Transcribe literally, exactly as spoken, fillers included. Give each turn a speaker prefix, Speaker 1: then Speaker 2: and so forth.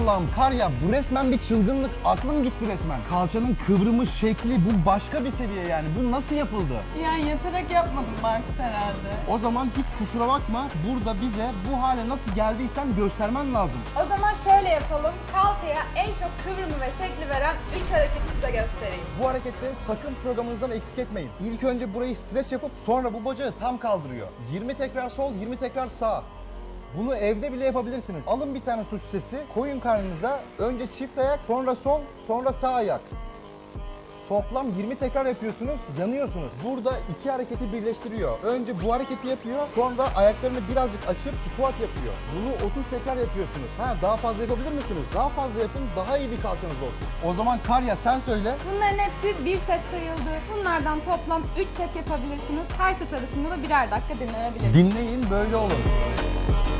Speaker 1: Allah'ım Karya, bu resmen bir çılgınlık. Aklım gitti resmen. Kalçanın kıvrımı, şekli, bu başka bir seviye yani. Bu nasıl yapıldı?
Speaker 2: Yani yatarak yapmadım Markus herhalde.
Speaker 1: O zaman hiç kusura bakma. Burada bize bu hale nasıl geldiysen göstermen lazım.
Speaker 3: O zaman şöyle yapalım. Kalçaya en çok kıvrımı ve şekli veren üç hareketi size göstereyim.
Speaker 1: Bu hareketleri sakın programınızdan eksik etmeyin. İlk önce burayı streç yapıp sonra bu bacağı tam kaldırıyor. yirmi tekrar sol, yirmi tekrar sağ. Bunu evde bile yapabilirsiniz. Alın bir tane su şişesi, koyun karnınıza. Önce çift ayak, sonra sol, sonra sağ ayak. Toplam yirmi tekrar yapıyorsunuz, yanıyorsunuz. Burada iki hareketi birleştiriyor. Önce bu hareketi yapıyor, sonra ayaklarını birazcık açıp squat yapıyor. Bunu otuz tekrar yapıyorsunuz. Ha, daha fazla yapabilir misiniz? Daha fazla yapın, daha iyi bir kalçanız olsun. O zaman Karya sen söyle.
Speaker 3: Bunların hepsi bir set sayıldı. Bunlardan toplam üç set yapabilirsiniz. Her set arasında da birer dakika dinlenebilir.
Speaker 1: Dinleyin, böyle olun.